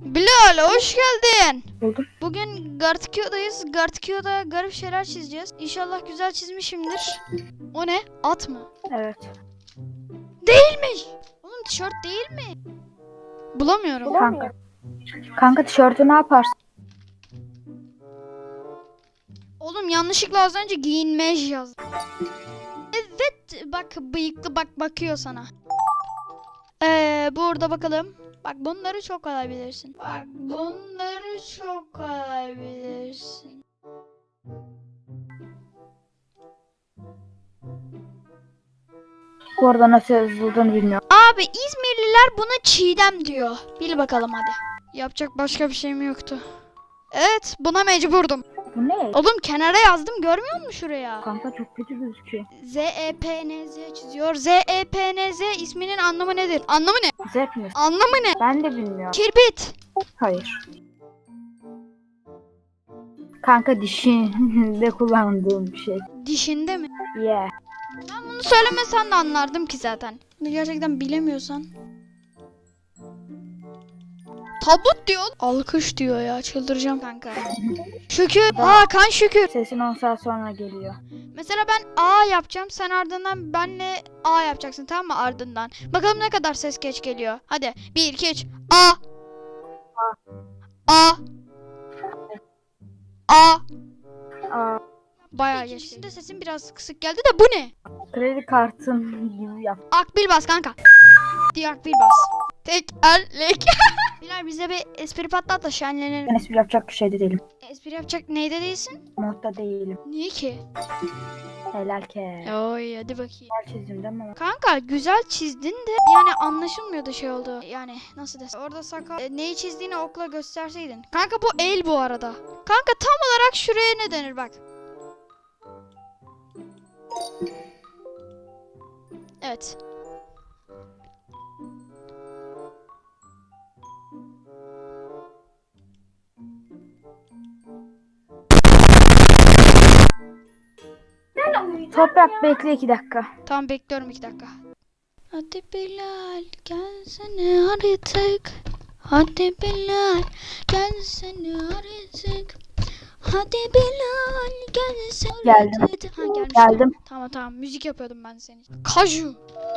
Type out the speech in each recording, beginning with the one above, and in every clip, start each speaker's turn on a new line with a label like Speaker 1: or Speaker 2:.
Speaker 1: Bilal hoş geldin.
Speaker 2: Buldum.
Speaker 1: Bugün Gartkio'dayız. Gartkio'da garip şeyler çizeceğiz. İnşallah güzel çizmişimdir. O ne? At mı?
Speaker 2: Evet.
Speaker 1: Değilmiş. Oğlum tişört değil mi? Bulamıyorum.
Speaker 2: Kanka. Kanka tişörtü ne yaparsın?
Speaker 1: Oğlum yanlışlıkla az önce giyinmej yazdım. Evet bak bıyıklı bak bakıyor sana. Burada bakalım. Bak bunları çok kolay bilirsin. Bak bunları çok kolay bilirsin.
Speaker 2: Bu arada nasıl yazıldığını bilmiyorum.
Speaker 1: Abi İzmirliler buna Çiğdem diyor. Bil bakalım hadi. Yapacak başka bir şeyim yoktu. Evet buna mecburdum.
Speaker 2: Bu ne?
Speaker 1: Oğlum kenara yazdım görmüyor musun şuraya?
Speaker 2: Kanka çok kötü gözüküyor.
Speaker 1: ZEPNZ çiziyor. ZEPNZ isminin anlamı nedir? Anlamı ne?
Speaker 2: Zep mi?
Speaker 1: Anlamı ne?
Speaker 2: Ben de bilmiyorum.
Speaker 1: Kirbit.
Speaker 2: Hayır. Kanka dişinde kullandığım bir şey.
Speaker 1: Dişinde mi?
Speaker 2: Yeah.
Speaker 1: Ben bunu söylemesen de anlardım ki zaten. Bunu gerçekten bilemiyorsan. Tabut diyor. Alkış diyor ya çıldıracağım kanka. Şükür. Hakan şükür.
Speaker 2: Sesin 10 saat sonra geliyor.
Speaker 1: Mesela ben A yapacağım. Sen ardından benle A yapacaksın tamam mı ardından. Bakalım ne kadar ses geç geliyor. Hadi 1 2 3 A. A. A.
Speaker 2: Aa,
Speaker 1: Bayağı geç. İkincisinde sesim biraz kısık geldi de bu ne?
Speaker 2: kredi kartın gibi yap.
Speaker 1: Akbil bas kanka. Diye akbil bas. Tekerlek. Bilal bize bir espri patlat da şenlenelim.
Speaker 2: Ben espri yapacak bir şeyde değilim.
Speaker 1: Espri yapacak neyde değilsin?
Speaker 2: Modda değilim.
Speaker 1: Niye ki?
Speaker 2: Helal ke.
Speaker 1: Oy hadi bakayım.
Speaker 2: Güzel çizdim değil mi?
Speaker 1: Kanka güzel çizdin de yani anlaşılmıyordu şey oldu. Yani nasıl desem. Orada sakal neyi çizdiğini okla gösterseydin. Kanka bu el bu arada. Kanka tam olarak şuraya ne denir bak. Evet.
Speaker 2: Toprak bekle 2 dakika.
Speaker 1: Tamam bekliyorum 2 dakika. Hadi Bilal gelsene artık. Hadi Bilal gelsene artık. Hadi Bilal gelsene
Speaker 2: Geldim.
Speaker 1: artık. Ha gelmiş.
Speaker 2: Geldim.
Speaker 1: Tamam müzik yapıyordum ben senin. Kaju.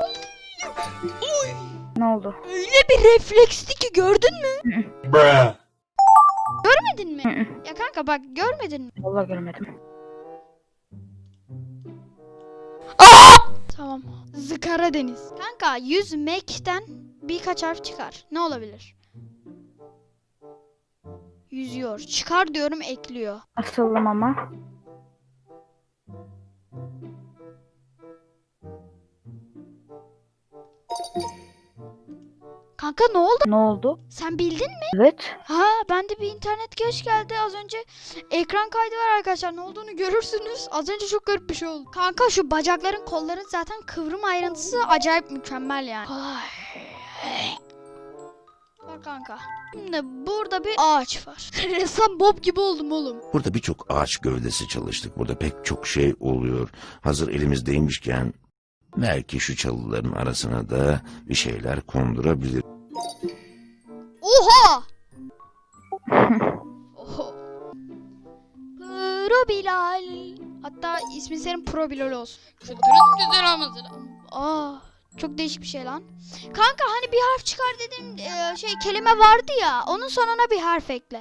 Speaker 2: Ne oldu?
Speaker 1: Öyle bir refleksti ki gördün mü?
Speaker 3: Bruh.
Speaker 1: Görmedin mi? Ya kanka bak görmedin mi?
Speaker 2: Vallahi görmedim.
Speaker 1: Tamam. Zıkara deniz. Kanka yüzmekten birkaç harf çıkar. Ne olabilir? Yüzüyor. Çıkar diyorum ekliyor.
Speaker 2: Asıldım ama.
Speaker 1: Kanka ne oldu?
Speaker 2: Ne oldu?
Speaker 1: Sen bildin mi?
Speaker 2: Evet.
Speaker 1: Ha bende bir internet geç geldi. Az önce ekran kaydı var arkadaşlar. Ne olduğunu görürsünüz. Az önce çok garip bir şey oldu. Kanka şu bacakların kolların zaten kıvrım ayrıntısı acayip mükemmel yani. Ay. Bak kanka. Şimdi burada bir ağaç var. Ressam Bob gibi oldum oğlum.
Speaker 3: Burada birçok ağaç gövdesi çalıştık. Burada pek çok şey oluyor. Hazır elimizdeymişken belki şu çalıların arasına da bir şeyler kondurabilir.
Speaker 1: Oha! Oho. Pro Bilal. Hatta ismi senin Pro Bilal olsun. Şunların güzel olmasın. Aa, çok değişik bir şey lan. Kanka hani bir harf çıkar dedim kelime vardı ya. Onun sonuna bir harf ekle.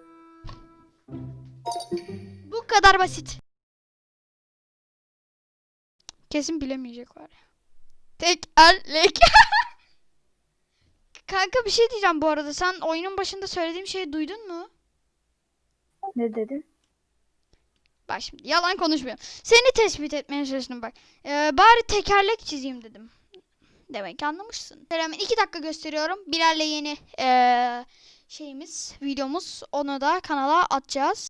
Speaker 1: Bu kadar basit. Kesin bilemeyecek var ya. Tekerlek. Kanka bir şey diyeceğim bu arada. Sen oyunun başında söylediğim şeyi duydun mu?
Speaker 2: Ne dedin?
Speaker 1: Bak şimdi yalan konuşmuyorum. Seni tespit etmeye çalıştım bak. Bari tekerlek çizeyim dedim. Demek ki anlamışsın. Hemen 2 dakika gösteriyorum. Bilal'le yeni videomuz. Onu da kanala atacağız.